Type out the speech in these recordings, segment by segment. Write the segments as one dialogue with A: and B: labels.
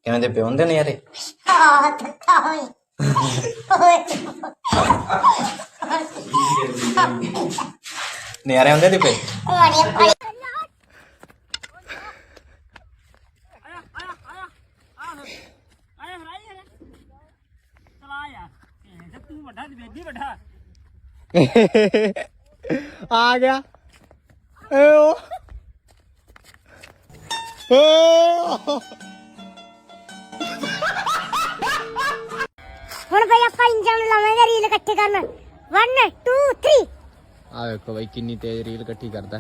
A: ਕਿਵੇਂ ਦੇ ਪਿਓ ਹੁੰਦੇ ਨੇ ਯਾਰੇ ਨਿਆਰੇ ਹੁੰਦੇ ਦੀ ਪੇ
B: ਆ ਗਿਆ
C: ਹੁਣ ਬਈ ਆਪਾਂ ਇੰਜਨ ਲਾਵਾਂਗੇ ਰੀਲ ਇਕੱਠੇ ਕਰਨ 1 2 3
B: ਆ ਵੇਖੋ ਬਾਈ ਕਿੰਨੀ ਤੇਜ਼ ਰੀਲ ਇਕੱਠੀ ਕਰਦਾ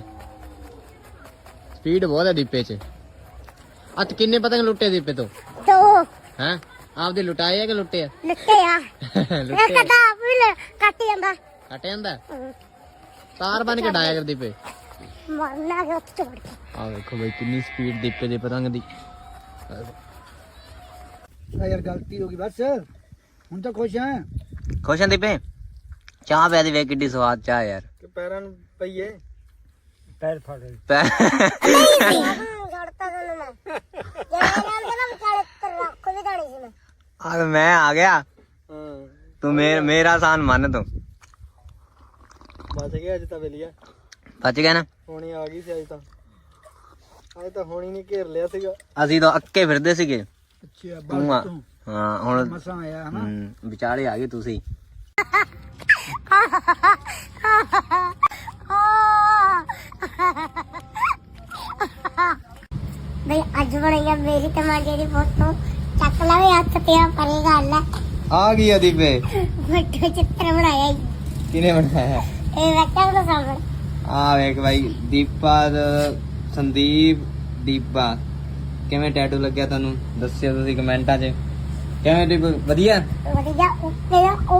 B: ਸਪੀਡ ਬਹੁਤ ਹੈ ਦੀਪੇ 'ਚ ਅੱਜ ਕਿੰਨੇ ਪਤੰਗ ਲੁੱਟੇ ਦੀਪੇ ਤੋਂ
C: ਦੋ
B: ਹੈ ਆਪਦੇ ਲੁਟਾਏ ਆ ਕਿ ਲੁੱਟੇ ਆ
C: ਲੁੱਟੇ ਆ ਇੱਕ ਤਾਂ ਵੀ ਕੱਟ ਜਾਂਦਾ
B: ਕੱਟ ਜਾਂਦਾ ਤਾਰ ਬਣ ਕੇ ਡਾਇਆ ਕਰ ਦੀਪੇ
C: ਮਰਨਾ ਗਿਆ ਉੱਥੇ ਚੜ ਕੇ
B: ਆ ਵੇਖੋ ਬਾਈ ਕਿੰਨੀ ਸਪੀਡ ਦੀਪੇ ਦੇ ਪਤੰਗ ਦੀ
D: ਯਾਰ ਗਲਤੀ ਹੋ ਗਈ ਬਸ ਹੁਣ ਤਾਂ ਖੁਸ਼ ਆ
A: ਖੁਸ਼ ਆਂ ਦੀਪੇ ਚਾਹ ਪਿਆ ਦੀ ਵੇ ਕਿੱਡੀ ਸਵਾਦ ਚਾਹ ਯਾਰ
D: ਕਿ ਪੈਰਾਂ ਨੂੰ ਪਈਏ ਪੈਰ ਫੜ
C: ਛੱਡਤਾ ਤੈਨੂੰ ਮੈਂ ਜਿਹੜੇ ਨਾਮ ਦੇ ਵਿਚਾਲੇ ਤੇ ਰੱਖ ਵੀ ਦਾਣੀ ਸੀ ਮੈਂ
A: ਆ ਮੈਂ ਆ ਗਿਆ
D: ਹਾਂ
A: ਤੂੰ ਮੇਰਾ ਆਸਾਨ ਮੰਨ ਤੂੰ
D: ਬਚ ਗਿਆ ਅੱਜ ਤਾਂ ਵੇਲੀਆ
A: ਬਚ ਗਿਆ ਨਾ
D: ਹੋਣੀ ਆ ਗਈ ਸੀ ਅੱਜ ਤਾਂ ਹੋਣੀ ਨੇ ਘੇਰ ਲਿਆ ਸੀਗਾ
A: ਅਸੀਂ ਤਾਂ ਅੱਕੇ ਫਿਰਦੇ ਸੀਗੇ
D: ਅੱਛਾ
A: ਤੂੰ ਆ ਹਾਂ ਹੁਣ
D: ਮਸਾਂ ਆਇਆ ਹਨਾ
A: ਵਿਚਾਲੇ ਆ ਗਏ ਤੁਸੀਂ
C: ਬਈ ਅੱਜ ਬਣਾਈਆ ਮੇਰੀ ਟਮਾਟੇ ਦੀ ਫੋਟੋ ਚੱਕ ਲਵੇ ਹੱਥ ਤੇ ਆ ਪਰੇ ਗੱਲ ਹੈ
A: ਆ ਗਈ ਆ ਦੀਪੇ
C: ਫੋਟੋ ਚਿੱਤਰ ਬਣਾਇਆ ਈ।
A: ਕਿਨੇ ਬਣਾਇਆ
C: ਇਹ ਵੇਖਿਆ ਉਹਦਾ ਸਾਹਮਣੇ
A: ਆ ਵੇਖ ਬਾਈ ਦੀਪਾ ਸੰਦੀਪ ਦੀਪਾ ਕਿਵੇਂ ਟੈਟੂ ਲੱਗਿਆ ਤੁਹਾਨੂੰ ਦੱਸਿਓ ਤੁਸੀਂ ਕਮੈਂਟਾਂ 'ਚ ਕਿਵੇਂ ਦੀਪ ਵਧੀਆ
C: ਵਧੀਆ ਉੱਤੇ